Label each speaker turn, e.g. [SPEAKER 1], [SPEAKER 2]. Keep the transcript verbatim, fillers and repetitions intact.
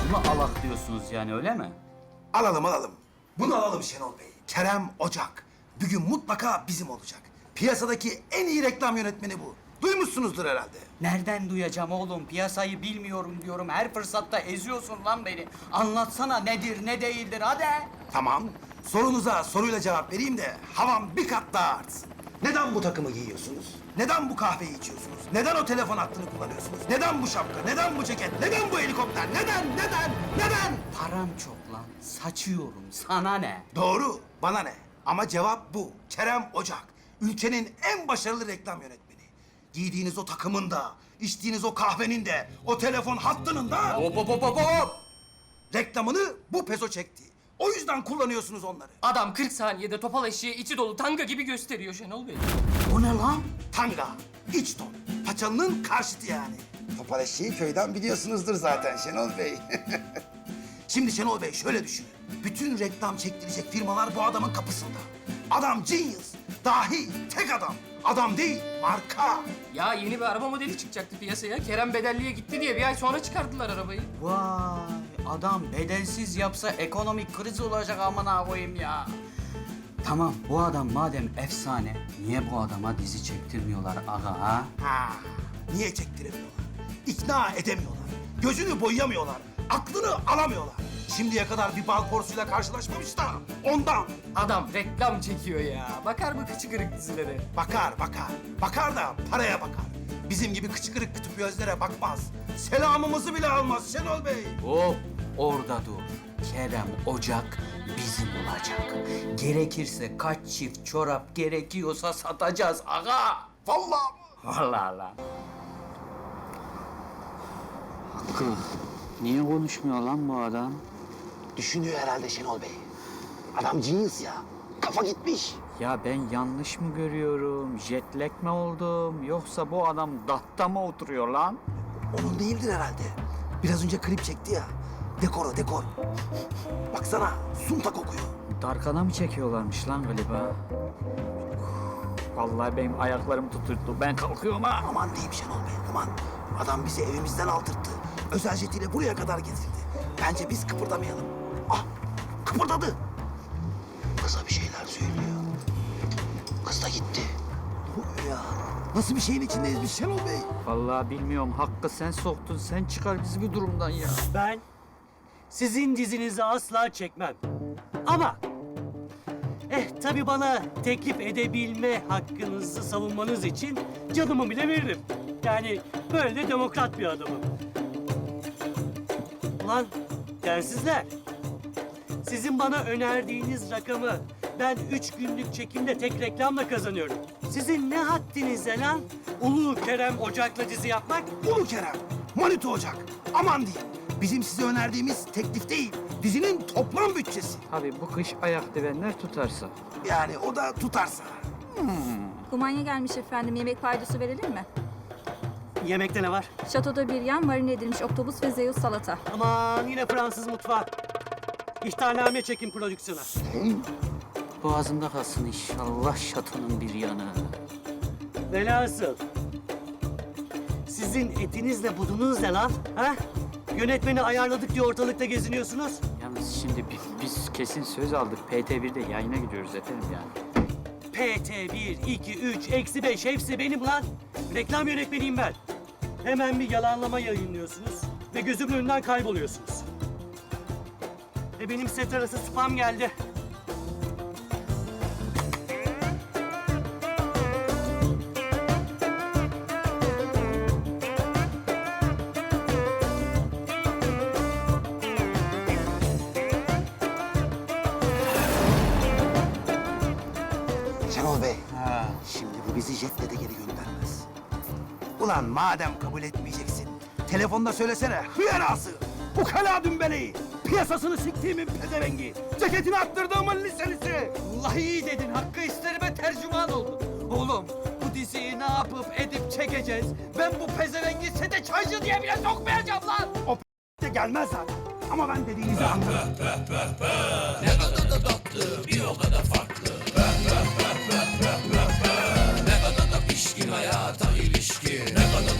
[SPEAKER 1] Bunu alak diyorsunuz yani, öyle mi?
[SPEAKER 2] Alalım alalım. Bunu alalım Şenol Bey. Kerem Ocak. Bugün mutlaka bizim olacak. Piyasadaki en iyi reklam yönetmeni bu. Duymuşsunuzdur herhalde.
[SPEAKER 1] Nereden duyacağım oğlum? Piyasayı bilmiyorum diyorum. Her fırsatta eziyorsun lan beni. Anlatsana nedir, ne değildir, hadi.
[SPEAKER 2] Tamam. Sorunuza soruyla cevap vereyim de havam bir kat daha artsın. Neden bu takımı giyiyorsunuz? Neden bu kahveyi içiyorsunuz? Neden o telefon hattını kullanıyorsunuz? Neden bu şapka? Neden bu ceket? Neden bu helikopter? Neden? Neden? Neden?
[SPEAKER 1] Param çok lan. Saçıyorum. Sana ne?
[SPEAKER 2] Doğru. Bana ne? Ama cevap bu. Kerem Ocak. Ülkenin en başarılı reklam yönetmeni. Giydiğiniz o takımın da, içtiğiniz o kahvenin de, o telefon hattının da...
[SPEAKER 1] Hop hop hop hop hop!
[SPEAKER 2] Reklamını bu peso çekti. O yüzden kullanıyorsunuz onları.
[SPEAKER 3] Adam kırk saniyede topal eşeği içi dolu tanga gibi gösteriyor Şenol Bey.
[SPEAKER 1] O ne lan?
[SPEAKER 2] Tanga, iç ton. Paçalının karşıtı yani. Topal eşeği köyden biliyorsunuzdur zaten Şenol Bey. Şimdi Şenol Bey şöyle düşünün. Bütün reklam çektirecek firmalar bu adamın kapısında. Adam genius, dahi, tek adam. Adam değil, marka.
[SPEAKER 3] Ya yeni bir araba modeli çıkacaktı piyasaya. Kerem bedelliye gitti diye bir ay sonra çıkardılar arabayı.
[SPEAKER 1] Vay, adam bedelsiz yapsa ekonomik kriz olacak, amına koyayım ya. Tamam, bu adam madem efsane, niye bu adama dizi çektirmiyorlar aga ha?
[SPEAKER 2] Ha, niye çektiremiyorlar? İkna edemiyorlar. Gözünü boyayamıyorlar. Aklını alamıyorlar. Şimdiye kadar bir bal porsuyla karşılaşmamış da ondan.
[SPEAKER 3] Adam reklam çekiyor ya. Bakar mı kıçı kırık dizilere?
[SPEAKER 2] Bakar, bakar. Bakar da paraya bakar. Bizim gibi kıçı kırık kütüp gözlere bakmaz. Selamımızı bile almaz Şenol Bey.
[SPEAKER 1] Hop, orada dur. Kerem Ocak bizim olacak. Gerekirse kaç çift çorap gerekiyorsa satacağız aga.
[SPEAKER 2] Vallahi mı?
[SPEAKER 1] Vallahi lan. Hakkı, niye konuşmuyor lan bu adam?
[SPEAKER 2] Düşünüyor herhalde Şenol Bey. Adam genius ya. Kafa gitmiş.
[SPEAKER 1] Ya ben yanlış mı görüyorum? Jetlag mi oldum? Yoksa bu adam datta mı oturuyor lan?
[SPEAKER 2] Onun değildir herhalde. Biraz önce klip çekti ya. Dekor o, dekor. Baksana, sunta kokuyor.
[SPEAKER 1] Darkana mı çekiyorlarmış lan galiba? Vallahi benim ayaklarım tuturdu. Ben kalkıyorum ha.
[SPEAKER 2] Aman diyeyim Şenol Bey, aman. Adam bizi evimizden aldırttı. Özel jetiyle buraya kadar getirdi. Bence biz kıpırdamayalım. Ah, kıpırdadı. Kıza bir şeyler söylüyor. Kız da gitti. Ne oluyor ya? Nasıl bir şeyin içindeyiz biz Şenol Bey?
[SPEAKER 1] Vallahi bilmiyorum. Hakkı sen soktun. Sen çıkar bizi bu durumdan ya.
[SPEAKER 4] Ben sizin dizinizi asla çekmem. Ama eh tabii bana teklif edebilme hakkınızı savunmanız için canımı bile veririm. Yani böyle de demokrat bir adamım. Ulan densizler. Sizin bana önerdiğiniz rakamı ben üç günlük çekimde tek reklamla kazanıyorum. Sizin ne haddinize lan? Ulu Kerem Ocak'la dizi yapmak?
[SPEAKER 2] Ulu Kerem, Manito Ocak. Aman diyeyim. Bizim size önerdiğimiz teklif değil, dizinin toplam bütçesi.
[SPEAKER 1] Tabii bu kış ayak divenler tutarsa.
[SPEAKER 2] Yani o da tutarsa.
[SPEAKER 5] Kumanya gelmiş efendim. Yemek paydosu verelim mi?
[SPEAKER 4] Yemekte ne var?
[SPEAKER 5] Şatoda bir yan marine edilmiş oktopus ve zeus salata.
[SPEAKER 4] Aman yine Fransız mutfağı. İhtarname çekin prodüksiyona.
[SPEAKER 1] Boğazımda kalsın inşallah şatonun bir yanı.
[SPEAKER 4] Velhasıl. Sizin etinizle budunuz ne lan? Ha? Yönetmeni ayarladık diye ortalıkta geziniyorsunuz.
[SPEAKER 1] Yalnız şimdi biz, biz kesin söz aldık. P T bir'de yayına gidiyoruz efendim yani.
[SPEAKER 4] P T bir, iki, üç, eksi beş hepsi benim lan. Reklam yönetmeniyim ben. Hemen bir yalanlama yayınlıyorsunuz ve gözümün önünden kayboluyorsunuz. Ve benim set arası spam geldi.
[SPEAKER 2] Şenol Bey,
[SPEAKER 1] Ha.
[SPEAKER 2] şimdi bu bizi jetle de geri göndermez. Ulan madem kabul etmeyeceksin, telefonda söylesene hıyarası, ukala dümbeleyi, piyasasını siktiğimin pezevengi, ceketini attırdığımın liselisi.
[SPEAKER 6] Vallahi iyi dedin. Hakkı isterime tercüman oldun. Oğlum bu diziyi ne yapıp edip çekeceğiz? Ben bu pezevengi sete çaycı diye bile sokmayacağım lan.
[SPEAKER 2] O p- de gelmez zaten. Ama ben dediğinizi anladım.
[SPEAKER 6] Pişkin hayata